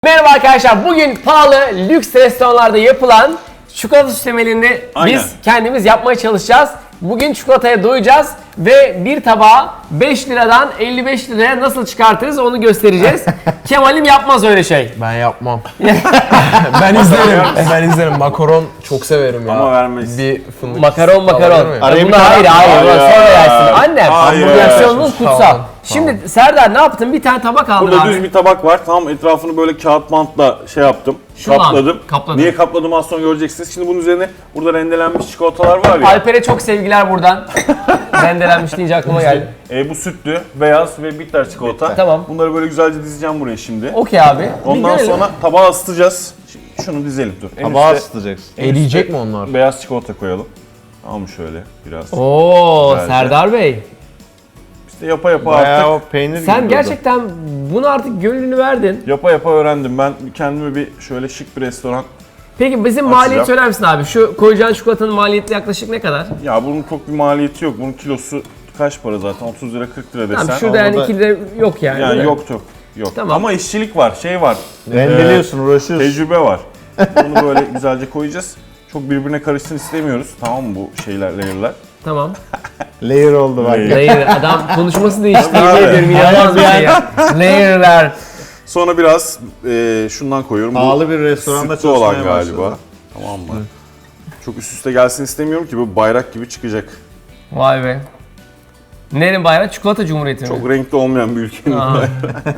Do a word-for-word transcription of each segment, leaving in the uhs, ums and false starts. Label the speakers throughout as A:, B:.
A: Merhaba arkadaşlar, bugün pahalı lüks restoranlarda yapılan çikolata süslemelerini
B: Aynen.
A: biz kendimiz yapmaya çalışacağız. Bugün çikolataya doyacağız ve bir tabağı beş liradan elli beş liraya nasıl çıkartırız onu göstereceğiz. Kemal'im yapmaz öyle şey.
C: Ben yapmam. ben izlerim. ben izlerim. Makaron çok severim ya.
B: Ama vermeyiz.
C: Bir fındık.
A: Makaron makaron.
C: Alabilir miyim?
B: Araya bir
A: Buna hayır
B: tane-
A: hayır, buna
B: Hayır.
A: sonra yersin. Annem,
B: Hayır.
A: hamburgersiyonunuz
C: Tamam.
A: kutsal.
C: Tamam.
A: Şimdi Serdar ne yaptın? Bir tane tabak aldın
B: Burada
A: abi.
B: düz bir tabak var. Tamam, etrafını böyle kağıt bantla şey yaptım.
A: Şunla
B: kapladım.
A: kapladın.
B: Niye kapladım az sonra göreceksiniz. Şimdi bunun üzerine burada rendelenmiş çikolatalar var ya.
A: Alper'e çok sevgiler buradan. Rendelenmiş deyince aklıma geldi.
B: E, bu sütlü, beyaz ve bitter çikolata.
A: Tamam.
B: Bunları böyle güzelce dizeceğim buraya şimdi.
A: Okey abi. Bir
B: Ondan
A: görelim.
B: sonra tabağa ısıtacağız. Şimdi şunu dizelim dur. En
D: Tabağa
B: üstte
D: ısıtacaksın.
C: Eriyecek mi onlar?
B: beyaz çikolata koyalım. Tamam, şöyle biraz.
A: Oo
B: Güzelce.
A: Serdar Bey.
B: İşte yapa yapa
D: Bayağı
B: artık.
D: o peynir gibi
A: Sen
D: durdu.
A: gerçekten bunu artık gönlünü verdin.
B: Yapa yapa öğrendim. Ben kendime bir şöyle şık bir restoran.
A: Peki bizim
B: Açacağım.
A: maliyet söyler misin abi? Şu koyacağın çikolatanın maliyeti yaklaşık ne kadar?
B: Ya bunun çok bir maliyeti yok. Bunun kilosu kaç para zaten? otuz lira kırk lira desen.
A: Tamam şurada yani
D: orada-
A: iki lira yok yani.
B: Yani
A: değil mi?
B: yok yok. Yok.
A: Tamam.
B: Ama işçilik var, şey var.
D: Rendeliyorsun,
B: Ee,
D: uğraşıyorsun.
B: Tecrübe var. Bunu böyle güzelce koyacağız. Çok birbirine karışsın istemiyoruz. Tamam mı bu şeyler, layer'lar?
A: Tamam.
D: Layer oldu bak.
B: Layer.
A: Layer adam konuşması değişti.
B: Tabii
A: Yemin
B: abi.
A: ediyorum inanılmaz bir şey ya. Layer'lar.
B: Sonra biraz e, şundan koyuyorum.
D: Pahalı bir restoranda
B: sütlü olan
D: çalışmaya
B: galiba.
D: başladı.
B: Tamam mı? Çok üst üste gelsin istemiyorum ki bu bayrak gibi çıkacak.
A: Vay be. Nerenin bayrağı? Çikolata Cumhuriyeti mi?
B: Çok renkli olmayan bir ülkenin
A: Aa.
B: bayrağı.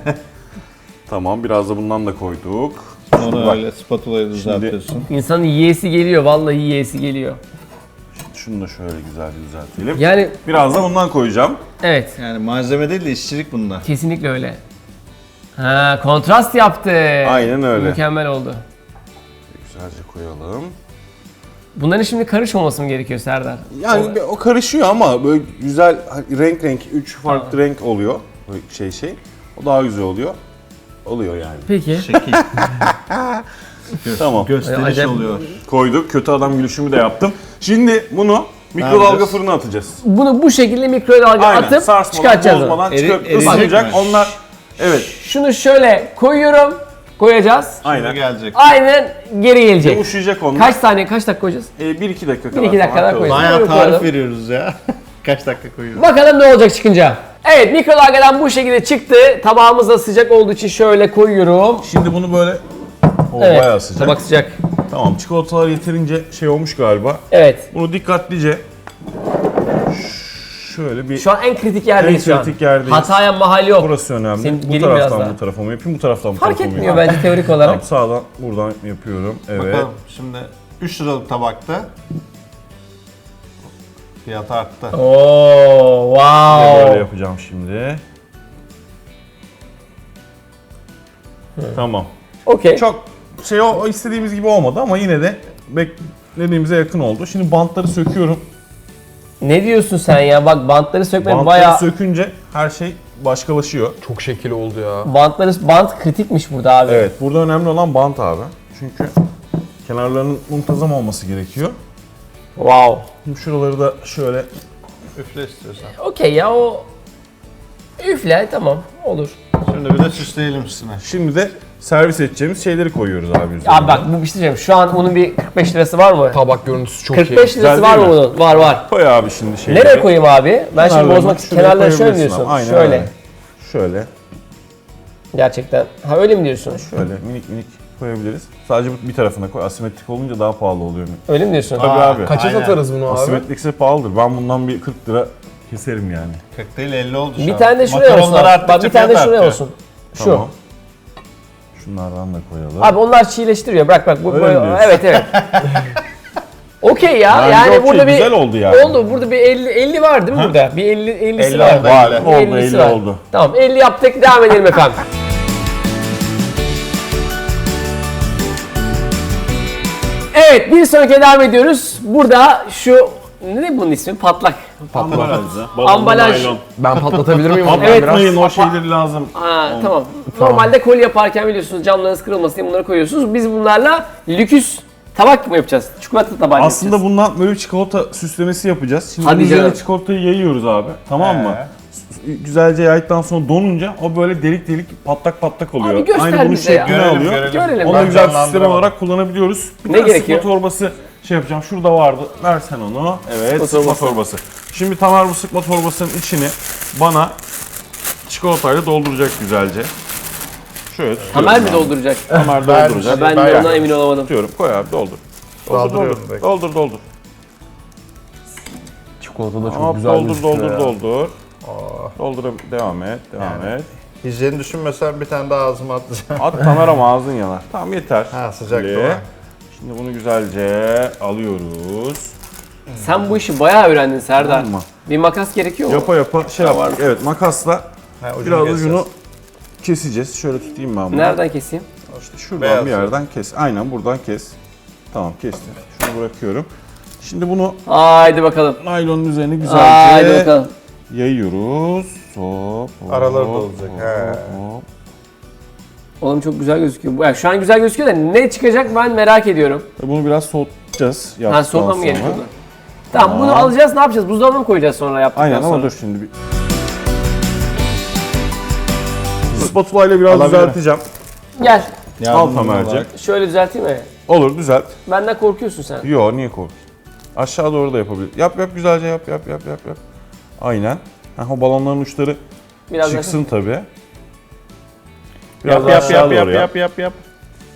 B: Tamam, biraz da bundan da koyduk.
D: Sonra
B: Bak.
D: öyle spatulayı düzeltiyorsun.
A: İnsanın yiyesi geliyor. Vallahi yiyesi geliyor.
B: Şunu da şöyle güzel düzeltelim.
A: Yani
B: Biraz da bundan koyacağım.
A: evet.
D: Yani malzeme değil de işçilik bunda.
A: Kesinlikle öyle. Ha, kontrast yaptı.
B: Aynen öyle.
A: Mükemmel oldu.
B: Güzelce koyalım.
A: Bunların şimdi karışmaması mı gerekiyor Serdar?
B: Yani o, o karışıyor ama böyle güzel renk renk üç farklı renk oluyor. Böyle şey şey. O daha güzel oluyor. Oluyor yani.
A: Peki.
D: Şekil.
B: Tamam.
D: Gösteriş
A: Acayip-
D: oluyor.
B: Koyduk. Kötü adam gülüşümü de yaptım. Şimdi bunu mikrodalga
D: yapacağız?
B: fırına atacağız.
A: Bunu bu şekilde mikrodalga
B: Aynen.
A: atıp
B: Sarsmadan,
A: çıkartacağız onu.
B: bozmadan
D: Eri-
B: çıkıp
D: eriyecek
B: ısınacak.
D: mi?
B: Onlar evet.
A: Şunu şöyle koyuyorum. Koyacağız.
D: Şimdi
B: Aynen.
D: gelecek.
A: Aynen geri gelecek.
B: Yumuşayacak onlar.
A: Kaç saniye, kaç dakika koyacağız?
B: E, bir iki dakika kadar.
A: Bir iki dakika
B: falan
A: daha
B: kalır.
A: koyacağız.
D: Bayağı
A: Böyle
D: tarif
A: koyalım.
D: veriyoruz ya. Kaç dakika koyuyoruz.
A: Bakalım ne olacak çıkınca. Evet, mikrodalgadan bu şekilde çıktı. Tabağımız da sıcak olduğu için şöyle koyuyorum.
B: Şimdi bunu böyle o
A: Evet,
B: bayağı sıcak.
A: tabak sıcak.
B: Tamam, çikolatalar yeterince şey olmuş galiba.
A: Evet.
B: Bunu dikkatlice şöyle bir
A: Şu an en kritik yerdeyiz
B: En
A: şu an.
B: kritik yerdeyiz.
A: Hataya mahal yok.
B: burası önemli.
A: Senin
B: bu
A: gelin biraz
B: taraftan
A: daha.
B: bu tarafa mı yapayım, bu taraftan bu
A: Fark
B: tarafa mı
A: etmiyor
B: yapayım?
A: bence teorik
B: Tamam,
A: olarak.
B: sağdan buradan yapıyorum. Evet.
D: Bakalım şimdi üç liralık tabakta fiyat arttı.
A: Oo,
B: Bir de
A: wow.
B: böyle yapacağım şimdi. Tamam.
A: Okey.
B: Çok şey o o istediğimiz gibi olmadı ama yine de beklediğimize yakın oldu. Şimdi bantları söküyorum.
A: Ne diyorsun sen ya? Bak bantları sökmek
B: Bantları
A: bayağı...
B: sökünce her şey başkalaşıyor.
C: Çok şekil oldu ya.
A: Bantları, bant kritikmiş burada abi.
B: Evet, burada önemli olan bant abi. Çünkü kenarlarının muntazam olması gerekiyor.
A: Wow.
B: Şimdi şuraları da şöyle
D: Üfle istiyorsan.
A: Okey ya o... Üfle tamam olur.
D: Şimdi bir de süsleyelim üstüne.
B: Şimdi de servis edeceğimiz şeyleri koyuyoruz abi üzerine.
A: Abi bak bu bir şey diyeceğim. Şu an bunun bir kırk beş lirası var mı?
C: Tabak görüntüsü çok
A: kırk
C: iyi.
A: beş lirası
B: Güzel
A: var
B: değil
A: mı
B: mi?
A: bunun? Var var.
B: Koy abi şimdi şeyleri.
A: Nereye koyayım abi? Ben şimdi
B: Kenarlarına,
A: bozmak için
B: şuraya
A: kenarları şöyle mi
B: koyabilirsin
A: diyorsun?
B: abi, aynen
A: Şöyle.
B: öyle. Şöyle,
A: Gerçekten. Ha öyle mi diyorsun?
B: şöyle minik minik koyabiliriz. Sadece bu bir tarafına koy. Asimetrik olunca daha pahalı oluyor.
A: Öyle mi diyorsun?
B: Tabii
D: Aa,
B: abi.
C: Kaça
D: Aynen.
C: satarız bunu abi?
B: Asimetrikse pahalıdır. Ben bundan bir kırk lira keserim yani.
D: kırk değil elli oldu şu
A: Bir
D: an.
A: tane de şuraya olsun.
D: Makaronlar
A: Abi. Bak
D: arttıkça
A: bir tane de
D: fiyat
A: şuraya
D: artıyor.
A: olsun. Şu.
B: Tamam. Şunlardan da koyalım.
A: Abi onlar çiğleştiriyor. Bırak bak. Bu
B: Öyle
A: böyle.
B: mi diyorsun?
A: Evet evet. Okey ya.
B: Bence
A: yani
B: okey,
A: burada bir
B: güzel oldu yani.
A: Oldu. Burada bir elli elli var değil mi burada? Bir elli ellisi
D: elli
A: var.
D: oldu,
B: Var,
D: elli.
B: oldu,
A: ellisi
B: elli
A: var.
B: oldu.
A: Tamam elli yaptık. Devam edelim efendim. Evet bir sonraki devam ediyoruz. Burada şu ne bunun ismi? Patlak.
B: Ambalajlı.
A: Ambalaj.
C: Ben patlatabilir miyim onu
A: Evet,
C: biraz?
B: Patlatmayın, o şeyleri lazım.
A: Ha, tamam. Normalde koli yaparken biliyorsunuz camlarınız kırılmasın diye bunları koyuyorsunuz. Biz bunlarla lüküs tabak mı yapacağız? Çikolata tabağı
B: Aslında
A: yapacağız.
B: bundan böyle bir çikolata süslemesi yapacağız. Şimdi
A: Hadi
B: bunun üzerine
A: canım.
B: çikolatayı yayıyoruz abi. Tamam mı?
D: Ee?
B: güzelce yaydıktan sonra donunca o böyle delik delik patlak patlak oluyor.
A: Abi göster
B: Aynı bunun
A: bize ya.
B: şeklini
D: Görelim,
B: alıyor.
D: görelim.
A: Görelim.
B: Onu da
D: Ben
B: güzel bir sistem
D: canlandıramadım.
B: olarak kullanabiliyoruz. Bir
A: Ne
B: tane
A: gerekiyor?
B: sıkma torbası şey yapacağım. Şurada vardı. Versen onu. Evet,
A: Sıkma
B: sıkma,
A: torbası.
B: torbası. Şimdi Tamer bu sıkma torbasının içini bana çikolatayla dolduracak güzelce. Şöyle tutuyorum.
A: Tamer mi
B: abi.
A: dolduracak?
B: Tamer
D: Ben-
B: dolduracak.
A: Ha, ben de
D: Ben-
A: ondan emin olamadım.
B: Tutuyorum. Koy abi doldur. Doldur
D: Dolduruyorum
B: doldur.
D: direkt.
B: Doldur doldur.
C: Çikolata da çok
B: Hop,
C: güzel
B: doldur
C: gözüküyor
B: doldur
C: ya.
B: doldur.
D: Oh.
B: Doldur devam et. Devam
D: Yani.
B: et.
D: Hijyeni düşünmesen bir tane daha ağzıma atacağım.
B: At Tamer ama ağzın yanar. Tamam yeter.
D: Ha, sıcak
B: Böyle.
D: değil mi?
B: Şimdi bunu güzelce alıyoruz.
A: Sen bu işi bayağı öğrendin Serdar.
B: Tamam mı?
A: Bir makas gerekiyor mu?
B: Yapa yapa şey
A: Tamam.
B: yaptık. Evet makasla
D: Ha, ucunu
B: biraz
D: keseceğiz.
B: ucunu keseceğiz. Şöyle tutayım ben bunu.
A: Nereden keseyim?
B: İşte şuradan
D: Beyaz
B: bir yerden kes. Aynen buradan kes. Tamam kestim. Şunu bırakıyorum. Şimdi bunu
A: Haydi bakalım.
B: naylonun üzerine
A: Haydi
B: güzelce
A: bakalım.
B: yayıyoruz. Hop, hop,
D: Araları da
B: hop,
D: olacak, he.
B: hop.
A: Oğlum çok güzel gözüküyor. Bu- Yani şu an güzel gözüküyor da ne çıkacak ben merak ediyorum.
B: Bunu biraz soğutacağız.
A: Ha
B: yaptıktan
A: soğutmam
B: sonra.
A: gerekiyor. Tamam bunu alacağız ne yapacağız? Buzdolabına mı koyacağız sonra yaptıktan
B: Aynen
A: sonra?
B: ama dur şimdi bir... Spatula ile biraz
D: Alabilirim.
B: düzelteceğim.
A: Gel.
B: Al Tamer'cik.
A: Şöyle düzelteyim mi?
B: Olur düzelt.
A: Benden korkuyorsun sen.
B: Yo niye korkuyorsun? Aşağı doğru da yapabilir. Yap yap güzelce yap yap yap yap yap. Aynen. Ha, o balonların uçları
A: Biraz
B: çıksın tabii.
D: Yap
B: Biraz
D: yap
B: aşağı
D: yap
B: doğru
D: yap
B: yap.
D: yap yap yap.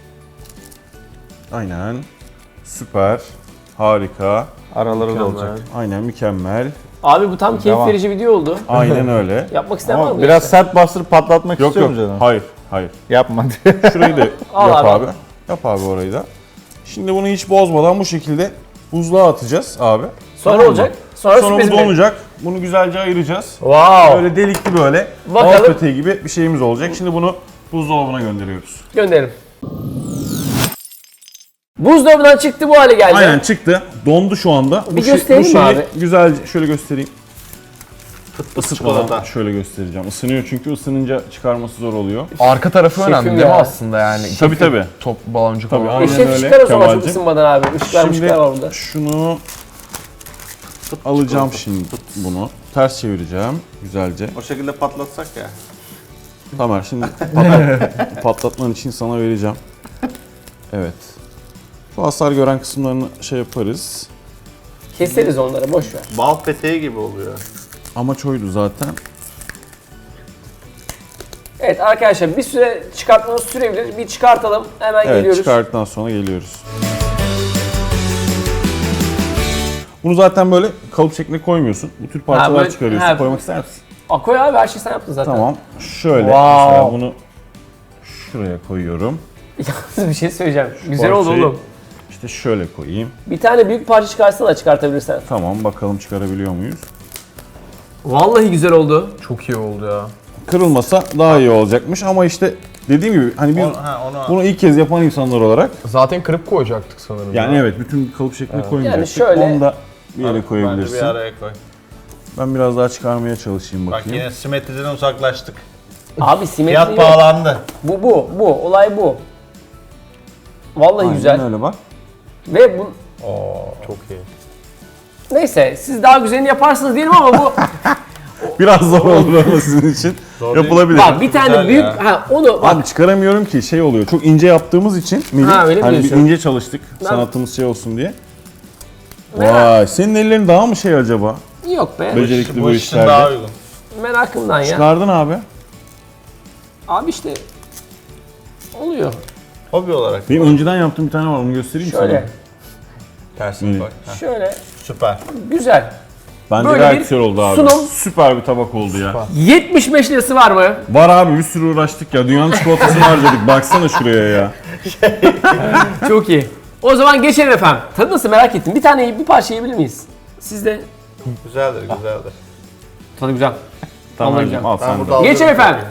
B: Aynen. Süper. Harika.
D: Araları da olacak.
B: Aynen mükemmel.
A: Abi bu tam keyif
D: Devam.
A: verici video oldu.
B: Aynen öyle.
A: Yapmak isteyen var
D: Ama
A: mı?
D: biraz sert bastırıp patlatmak
B: Yok
D: istiyorum
B: yok.
D: canım.
B: Hayır. Hayır.
D: Yapma.
B: Şurayı da
A: Al
B: yap
A: abi.
B: abi. Yap abi orayı da. Şimdi bunu hiç bozmadan bu şekilde buzluğa atacağız abi.
A: Sonra
B: Tamam mı?
A: olacak. Sonra,
B: Sonra
A: sürpriz
B: bu
A: mi?
B: donacak. Bunu güzelce ayıracağız.
A: Wow.
B: Böyle delikli böyle
A: Bakalım.
B: alt peteği gibi bir şeyimiz olacak. Şimdi bunu buzdolabına gönderiyoruz.
A: Gönderim. Buzdolabından çıktı bu hale geldi.
B: Aynen çıktı. Dondu şu anda.
A: Bir
B: şey-
A: göstereyim mi
B: şeyi
A: abi?
B: Güzelce şöyle göstereyim. Isıtmadan
D: çikolata.
B: şöyle göstereceğim. Isınıyor çünkü ısınınca çıkarması zor oluyor.
C: Arka tarafı
A: Şefim
C: önemli değil
A: ya.
C: mi aslında yani?
B: Tabii tabii.
C: Top baloncuk
B: Tabii,
C: falan.
B: aynen.
A: Eşek
B: öyle
A: çıkar o zaman çok
B: Kemal'cim.
A: ısınmadan abi. Işıklar
B: Şimdi
A: mışıklar var burada.
B: şunu alacağım şimdi bunu. Ters çevireceğim güzelce.
D: O şekilde patlatsak ya.
B: Tamer şimdi patlat, patlatman için sana vereceğim. Evet. Şu hasar gören kısımlarını şey yaparız.
A: Keseriz onları boş ver.
D: Bal peteği gibi oluyor.
B: Amaç oydu zaten.
A: Evet arkadaşlar bir süre çıkartmamız sürebilir. Bir çıkartalım. Hemen
B: Evet
A: geliyoruz.
B: çıkarttıktan sonra geliyoruz. Bunu zaten böyle kalıp şekline koymuyorsun. Bu tür parçalar
A: böyle-
B: çıkarıyorsun.
A: ha.
B: Koymak ister misin?
A: Aa, koy abi her şeyi sen yaptın zaten.
B: Tamam. Şöyle
A: Wow.
B: mesela bunu şuraya koyuyorum.
A: Yalnız bir şey söyleyeceğim. Güzel oldu
B: Parçayı
A: oğlum.
B: İşte şöyle koyayım.
A: Bir tane büyük parça çıkarsana çıkartabilirsen.
B: Tamam bakalım çıkarabiliyor muyuz?
A: Vallahi güzel oldu.
C: Çok iyi oldu ya.
B: Kırılmasa daha iyi olacakmış ama işte dediğim gibi hani biz
D: Onu, ha, onu
B: bunu ilk kez yapan insanlar olarak
C: Zaten kırıp koyacaktık sanırım.
B: yani
C: ya.
B: evet bütün kalıp şekline koymayacaktık.
A: Yani şöyle-
B: Onu da bir yere
D: Bence
B: koyabilirsin.
D: bir araya koy.
B: Ben biraz daha çıkarmaya çalışayım
D: Bak
B: bakayım.
D: yine simetriden uzaklaştık.
A: Abi simetri
D: Fiyat
A: yok.
D: pahalandı.
A: Bu bu bu olay bu. Vallahi
B: Aynen
A: güzel.
B: öyle bak.
A: Ve bu
D: Oo, çok iyi.
A: neyse siz daha güzelini yaparsınız diyelim ama bu
B: Biraz zor olur ama sizin için.
D: Zor değil.
B: Yapılabilir.
A: bak bir tane
D: Güzel
A: büyük
D: ya.
A: ha onu bak
B: Abi çıkaramıyorum ki şey oluyor. Çok ince yaptığımız için Melih,
A: Ha, öyle mi
B: hani bir
A: diyorsun?
B: ince çalıştık
A: Ben-
B: sanatımız şey olsun diye.
A: Merak-
B: Vay senin ellerin daha mı şey acaba?
A: yok be.
B: Becerikli bu,
D: Bu iş için
B: işlerde.
D: daha uygun.
A: Merakımdan ya.
B: Çıkardın abi.
A: Abi işte oluyor.
D: Hobi olarak.
B: Benim önceden yaptığım bir tane var onu göstereyim mi
A: Şöyle
B: sana.
D: Tersine
B: Evet.
D: koy. Heh,
A: şöyle
D: süper.
A: güzel.
B: Bence
A: Böyle
B: gayet
A: bir
B: güzel oldu abi.
A: sunum.
B: Süper bir tabak oldu ya.
A: yetmiş beş lirası var mı?
B: Var abi bir sürü uğraştık ya. Dünyanın çikolatasını harcadık. Baksana şuraya ya.
A: Çok iyi. O zaman geçelim efendim. Tadı nasıl merak ettim. Bir tane bir parça yiyebilir miyiz? Siz de
D: Güzeldir, güzeldir.
A: tadı güzel.
B: Tamam
A: Vallahi
B: hocam
A: güzel.
B: al
D: Ben
B: sen de.
D: burada
A: Geçelim
D: alıyorum.
A: efendim.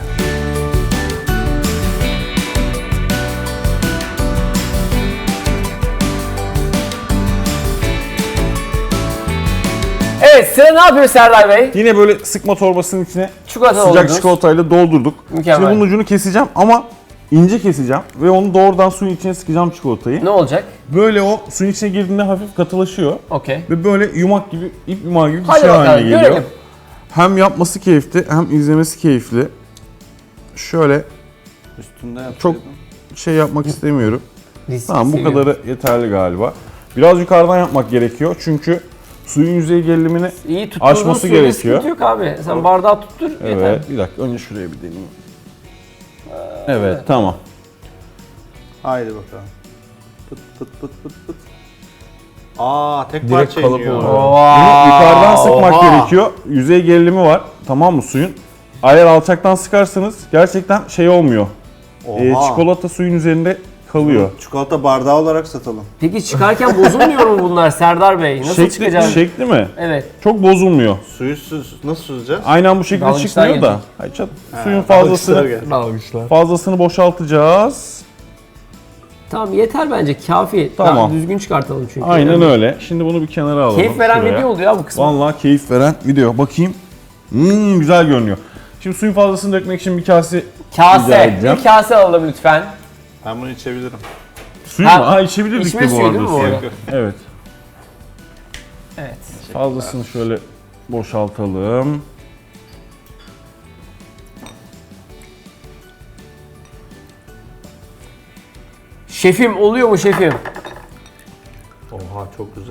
A: Evet sıra ne yapıyor Serdar Bey?
B: Yine böyle sıkma torbasının içine
A: Çikolata
B: sıcak
A: doldurdunuz.
B: çikolatayla doldurduk.
A: Mükemmel.
B: Şimdi bunun ucunu keseceğim ama ince keseceğim ve onu doğrudan suyun içine sıkacağım çikolatayı.
A: Ne olacak?
B: Böyle o suyun içine girdiğinde hafif katılaşıyor
A: Okey.
B: ve böyle yumak gibi, ip yumağı gibi bir
A: Hadi
B: şey
A: bakalım
B: haline geliyor.
A: görelim.
B: Hem yapması keyifli hem izlemesi keyifli. Şöyle
D: Üstünde
B: çok
D: yapsaydın.
B: şey yapmak istemiyorum.
A: Risk
B: Tamam bu
A: seviyorum.
B: kadarı yeterli galiba. Biraz yukarıdan yapmak gerekiyor çünkü suyun yüzey gerilimini
A: İyi tutturduğun
B: aşması
A: suyla
B: gerekiyor.
A: sıkıntı yok abi. Sen bardağı tuttur yeter.
B: Evet, bir dakika önce şuraya bir deneyeyim. Evet, tamam.
D: Haydi bakalım. Pıt pıt pıt pıt pıt. Aa tek
C: Direkt
D: parça
C: kalıp
D: iniyor.
C: oluyor.
B: Bunu yukarıdan sıkmak
A: Oha.
B: gerekiyor. Yüzey gerilimi var, tamam mı suyun? Eğer alçaktan sıkarsanız gerçekten şey olmuyor. Ee,
D: Oha.
B: çikolata suyun üzerinde kalıyor.
D: Çikolata bardağı olarak satalım.
A: Peki çıkarken bozulmuyor mu bunlar Serdar Bey? Nasıl
B: Şekli,
A: çıkacağız?
B: şekli mi?
A: Evet.
B: Çok bozulmuyor.
D: Suyu süz, nasıl süzeceğiz?
B: Aynen bu şekilde
A: Dalgıçlar
B: çıkmıyor da.
A: gelecek.
B: Hayır, çat- suyun fazlasını
C: Dalgıçlar.
B: fazlasını boşaltacağız.
A: Tamam yeter bence kafi.
B: Tamam.
A: Daha düzgün çıkartalım çünkü.
B: Aynen
A: Yani.
B: öyle. Şimdi bunu bir kenara alalım.
A: Keyif veren
B: şuraya.
A: video oldu ya bu kısmı.
B: Vallahi keyif veren video. Bakayım. Hmm, güzel görünüyor. Şimdi suyun fazlasını dökmek için bir kase rica
A: Kase.
B: edeceğim.
A: Bir kase alalım lütfen.
D: Ben bunu içebilirim.
B: Suyu
A: Ha,
B: mu? Ha içebilirdik
A: içme
B: de bu
A: suyu
B: arada.
A: değil mi bu
B: suyu.
A: arada?
B: Evet.
A: Evet.
B: Fazlasını şöyle boşaltalım.
A: Şefim oluyor mu şefim?
D: Oha çok güzel.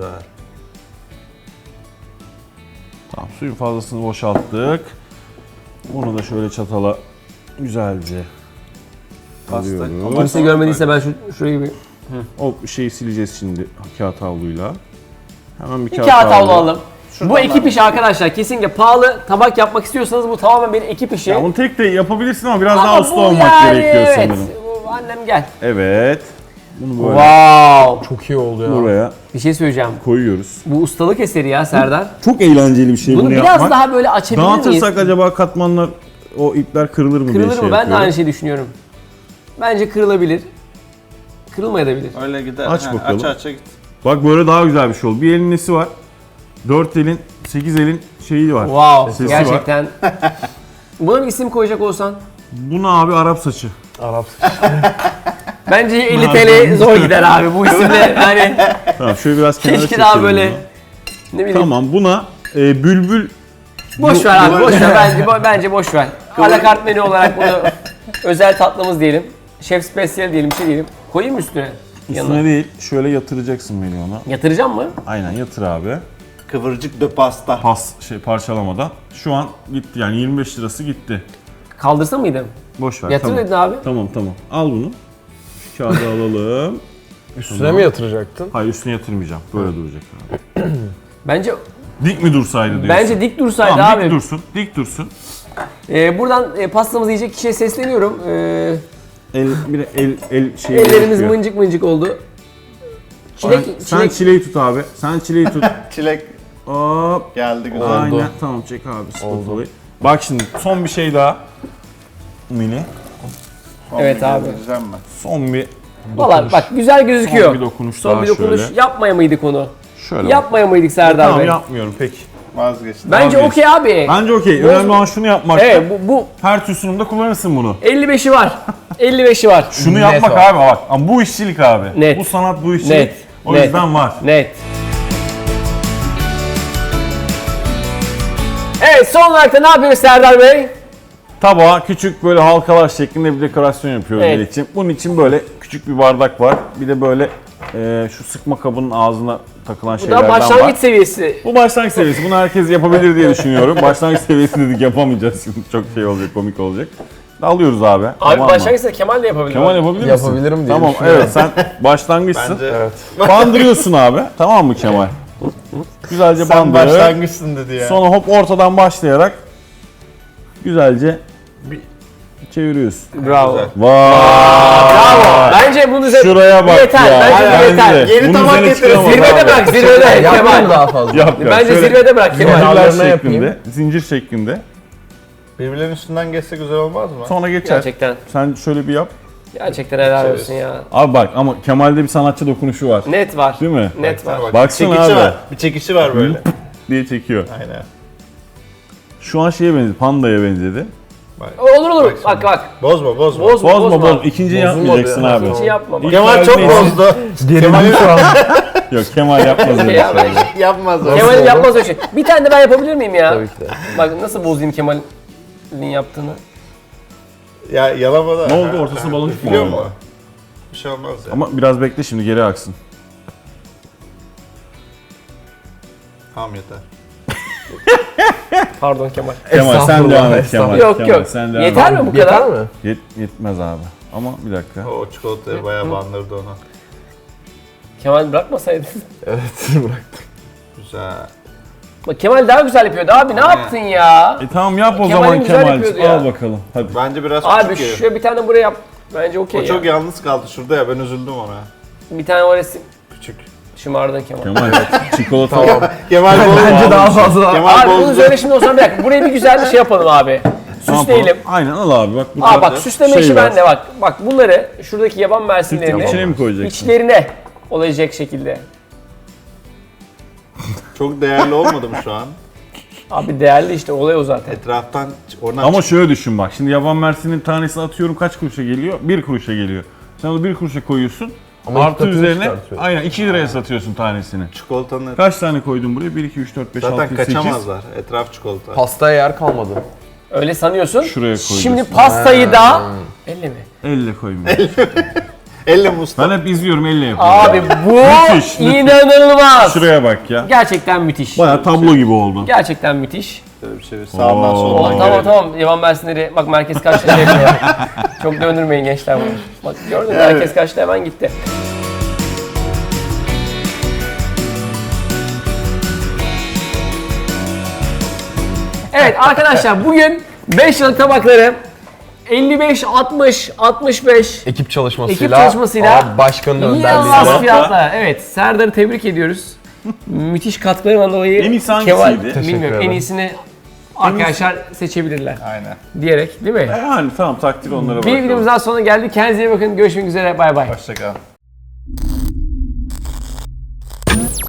B: Tamam, suyun fazlasını boşalttık. Bunu da şöyle çatala güzelce
D: Pasta.
B: alıyorum.
A: Kimse görmediyse ben şu, şurayı bir...
B: O şeyi sileceğiz şimdi kağıt havluyla. Hemen bir
A: Bir
B: kağıt,
A: kağıt havlu
B: havlu.
A: alalım. Bu ekip işi arkadaşlar. Kesinlikle pahalı tabak yapmak istiyorsanız bu tamamen bir ekip işi.
B: Ya bunu tek de yapabilirsin ama biraz
A: Ama
B: daha usta
A: bu
B: olmak
A: yani,
B: gerekiyor
A: evet.
B: sanırım.
A: Bu, annem gel.
B: Evet. Bunu böyle
A: Wow.
C: Çok iyi oldu ya.
B: buraya
A: Bir şey söyleyeceğim.
B: koyuyoruz.
A: Bu ustalık eseri ya Serdar.
B: Çok eğlenceli bir şey
A: Bunu
B: bunu,
A: biraz
B: yapmak.
A: daha böyle açabilir miyiz?
B: Dağıtırsak acaba katmanlar, o ipler kırılır mı diye
A: Kırılır
B: şey
A: mı? Ben de
B: yapıyorum.
A: aynı şeyi düşünüyorum. Bence kırılabilir. Kırılmayabilir.
D: Öyle gider.
B: Aç
D: Ha,
B: bakalım.
D: Aç aç git.
B: Bak böyle daha güzel bir şey oldu. Bir elin nesi var? Dört elin, sekiz elin şeyi var.
A: Wow.
B: Sesi
A: Gerçekten. Buna bir isim koyacak olsan.
B: Buna abi Arap saçı.
C: Arap.
A: Bence elli T L zor gider abi bu isimle. Yani
B: Tamam şöyle biraz kenara
A: keşke
B: çekelim
A: daha böyle
B: bunu.
A: ne bileyim.
B: Tamam buna e, bülbül
A: Boş
B: Bu-
A: ver abi,
B: bu-
A: boş ver. Bence, bo- bence boş ver. Alakart menü olarak bunu özel tatlımız diyelim. Şef spesiyel diyelim, bir şey diyelim. Koyayım mı üstüne?
B: üstüne
A: Yanına.
B: değil şöyle yatıracaksın beni ona.
A: Yatıracağım mı?
B: Aynen yatır abi.
D: Kıvırcık de pasta.
B: Pas şey parçalamadan. Şu an gitti yani yirmi beş lirası gitti.
A: Kaldırsa mıydım?
B: Boş ver.
A: Yatır
B: tamam.
A: dedin abi.
B: Tamam tamam. Al bunu. Kağıdı alalım.
C: Üstüne mi yatıracaktın?
B: Hayır üstüne yatırmayacağım. Böyle duracak abi.
A: Bence
B: Dik mi dursaydı diyorsun?
A: bence dik dursaydı
B: tamam,
A: abi.
B: dik dursun. Dik dursun.
A: Ee, buradan e, pastamızı yiyecek kişiye sesleniyorum. Ee,
B: El bir de el el şey
A: ellerimiz
B: gerekiyor.
A: mıncık mıncık oldu. Çilek,
B: Sen-
A: çilek.
B: Sen çileği tut abi. Sen çileği tut.
D: Çilek
B: Hop.
D: geldi güzel.
B: Aynen. Tamam çek abi spatulayı. Bak şimdi son bir şey daha. Mini.
D: Son
A: Evet
D: bir
A: abi.
D: gezdireceğim ben.
B: Son bir
A: Valla bak güzel gözüküyor.
B: son bir dokunuş
A: Son
B: daha
A: bir dokunuş.
B: şöyle.
A: Yapmaya mıydık onu?
B: Şöyle. bak.
A: Yapmaya mıydık Serdar
B: Tamam
A: Bey?
B: yapmıyorum peki.
D: Vazgeçtim.
A: Bence
B: Abi.
A: okey abi.
B: Bence okey.
A: Boz-
B: Önemli olan şunu yapmak.
A: Evet bu, bu
B: Her tür sunumda kullanırsın bunu.
A: elli beşi var. elli beşi var.
B: Şunu
C: Net
B: yapmak
C: var.
B: abi bak. Ama bu işçilik abi.
A: Net.
B: Bu sanat bu işçilik.
A: Net.
B: O
A: Net.
B: yüzden var.
A: Net. Evet son olarak da ne yapıyoruz Serdar Bey?
B: Tabağa küçük böyle halkalar şeklinde bir dekorasyon yapıyoruz
A: Evet.
B: el için. Bunun için böyle küçük bir bardak var. Bir de böyle e, şu sıkma kabının ağzına takılan
A: Bu
B: şeylerden
A: da başlangıç
B: var.
A: seviyesi.
B: Bu başlangıç seviyesi. Bunu herkes yapabilir diye düşünüyorum. Başlangıç seviyesi dedik yapamayacağız. Şimdi çok şey olacak, komik olacak. Alıyoruz abi.
A: Abi
B: tamam mı?
A: başlangıç seviyesi Kemal de yapabilir.
B: Kemal yapabilir misin?
C: Yapabilirim diye
B: Tamam
C: düşünüyorum.
B: evet sen başlangıçsın.
D: Bence
B: Bandırıyorsun abi. Tamam mı Kemal? Güzelce
D: sen
B: bandırır.
D: başlangıçsın dedi ya.
B: Sonra hop ortadan başlayarak güzelce bir çeviriyorsun.
A: Bravo.
D: Güzel.
B: Vay!
A: Bravo. Bence bunu bize
B: Şuraya bak
A: yeter.
B: ya.
A: Bence bu yeter.
B: de.
D: Yeni
B: Bunun
D: tabak
B: üzerine
D: getirin.
B: çıkamaz
A: Zirvede
B: abi.
A: bırak, zirvede
C: Yapmayayım
A: Kemal.
C: daha fazla.
B: Yap, yap.
A: Bence
B: Şöyle
A: zirvede bırak Kemal.
B: zincirler
C: Ayarlarına yapayım.
B: şeklinde, zincir şeklinde.
D: Birbirlerinin üstünden geçse güzel olmaz mı?
B: Sonra geçer.
A: Gerçekten.
B: Sen şöyle bir yap.
A: Gerçekten helal olsun ya.
B: Abi bak ama Kemal'de bir sanatçı dokunuşu var.
A: Net var.
B: Değil mi?
A: Net var.
D: Bak,
B: Baksana
D: çekici
B: abi.
D: var. Bir çekişi var böyle.
B: diye çekiyor.
D: Aynen.
B: Şu an şeye benzedi, pandaya benzedi.
D: Bak.
A: Olur olur.
D: Bak
A: Bak bak.
D: Bozma bozma.
A: Boz,
B: Bozma
A: bozma.
B: bozma. İkinciyi
C: Bozulmadı
B: yapmayacaksın
C: ya.
B: abi.
A: Hiç yapma. Bak.
D: Kemal çok
B: Neyse.
D: bozdu.
C: Gerildim şu an.
B: Yok Kemal yapmaz öyle
A: Ya ben-
B: şeyler.
D: Yapmaz öyle.
A: Kemal'im yapmaz öyle şey. Bir tane de ben yapabilir miyim ya?
C: Tabii ki de.
A: Bak nasıl bozayım Kemal'in yaptığını.
D: Ya yalama da.
B: Ne oldu, ortasına baloncuk mu
D: Biliyor
B: oldu?
D: mu? Bir şey olmaz ya.
B: Ama biraz bekle şimdi, geri aksın.
D: Tamam yeter.
A: Pardon Kemal.
B: Kemal sen
C: Estağfurullah,
B: devam et Kemal.
C: estağfurullah.
A: Yok
B: Kemal,
A: yok.
B: sen devam
A: Yeter
B: et.
A: mi bu
C: Yeter
A: kadar?
C: mi?
B: Yet, yetmez abi. Ama bir dakika.
D: O çikolatayı bayağı bandırdı onu.
A: Kemal bırakmasaydın.
C: Evet bıraktım.
D: Güzel.
A: Bak Kemal daha güzel yapıyordu abi ne
D: Aynen.
A: yaptın ya?
B: E tamam yap o
A: Kemal'in
B: zaman
A: güzel
B: Kemal.
A: yapıyordu ya.
B: Al bakalım. Hadi.
D: Bence biraz
A: Abi
D: küçük ya.
A: şuraya bir tane buraya yap. Bence okey
D: O
A: ya.
D: çok yalnız kaldı şurada ya, ben üzüldüm ona.
A: Bir tane o resim.
D: Küçük.
A: Şımardın Kemal.
B: Kemal çikolata.
C: Tamam.
D: Kemal bozdu.
C: Bence daha fazla.
D: Kemal
A: Abi bunu
D: bozdu.
A: söyle şimdi o zaman bir dakika. Buraya bir güzel bir şey yapalım abi.
B: Ne yapalım?
A: Süsleyelim.
B: Aynen al abi bak.
A: Aa bak süsleme
B: şey
A: işi
B: var.
A: bende bak. Bak bunları şuradaki yaban mersinlerini
B: İçine mi koyacaksın?
A: içlerine olacak şekilde.
D: Çok değerli olmadı mı şu an?
A: Abi değerli işte olay o zaten.
D: Etraftan oradan
B: Ama
D: çık-
B: şöyle düşün bak. Şimdi yaban mersinin tanesi atıyorum kaç kuruşa geliyor? Bir kuruşa geliyor. Sen onu bir kuruşa koyuyorsun.
C: Ama iki
B: Artı
C: katını
B: üzerine
C: çıkartıyor.
B: aynen iki liraya satıyorsun tanesini.
D: çikolatanın
B: Kaç tane koydun buraya? bir, iki, üç, dört, beş, altı,
D: zaten
B: yedi, sekiz.
D: kaçamazlar. Etraf çikolata.
C: Pastaya yer kalmadı.
A: Öyle sanıyorsun.
B: Şuraya koyacaksın.
A: Şimdi pastayı da elle mi?
B: Elle koymuyor.
D: Elle musta.
B: Ben hep izliyorum elle yapıyorum.
A: Abi bu
B: Müthiş, müthiş.
A: inanılmaz.
B: Şuraya bak ya.
A: Gerçekten müthiş.
B: Baya tablo gibi oldu.
A: Gerçekten müthiş.
D: Şöyle bir şey sağdan
B: Oo.
A: Oh,
D: soldan
A: tamam
D: görelim.
A: tamam yaban mersinleri bak merkez kaçta şey yapıyor. Çok döndürmeyin gençler bunu. Bak gördün mü merkez kaçta hemen gitti. Evet arkadaşlar bugün beş yıllık tabakları elli beş, altmış, altmış beş
C: Ekip çalışmasıyla,
A: ekip çalışmasıyla
C: abi başkanın
A: inanılmaz
C: önderliğinde.
A: fiyatlar. Evet Serdar'ı tebrik ediyoruz. Müthiş katkılarından dolayı
B: En iyisi
A: Kemal,
B: hangisiydi?
C: Teşekkür
A: bilmiyorum en
C: ederim.
A: iyisini arkadaşlar seçebilirler
D: Aynen.
A: diyerek değil mi?
B: Yani tamam takdir onlara
A: Bir
B: bırakalım.
A: videomuz daha sonuna geldik. Kendinize iyi bakın. Görüşmek üzere. Bay bay.
D: Hoşçakal.